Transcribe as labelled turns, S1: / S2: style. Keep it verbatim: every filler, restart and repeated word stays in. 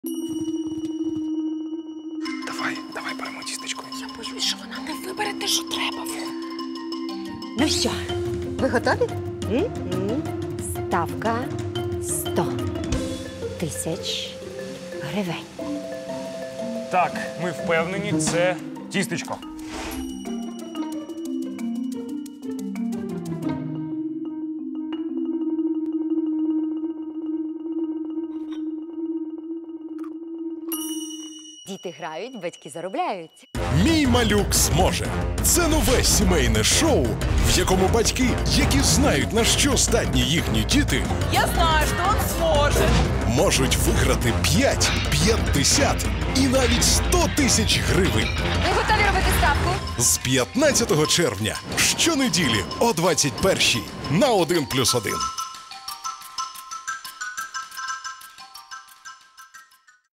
S1: Давай, давай беремо тістечко.
S2: Я боюсь, що вона не вибере те, що треба.
S3: Ну що, ви готові? М-м. Ставка сто тисяч гривень.
S1: Так, ми впевнені, це тістечко.
S3: Діти грають, батьки заробляють.
S4: «Мій малюк зможе» – це нове сімейне шоу, в якому батьки, які знають, на що здатні їхні діти,
S5: Я знаю, что он сможет.
S4: можуть виграти п'ять, п'ятдесят і навіть сто тисяч гривень.
S3: Ви готові робити ставку?
S4: З п'ятнадцятого червня щонеділі о двадцять першій на один плюс один.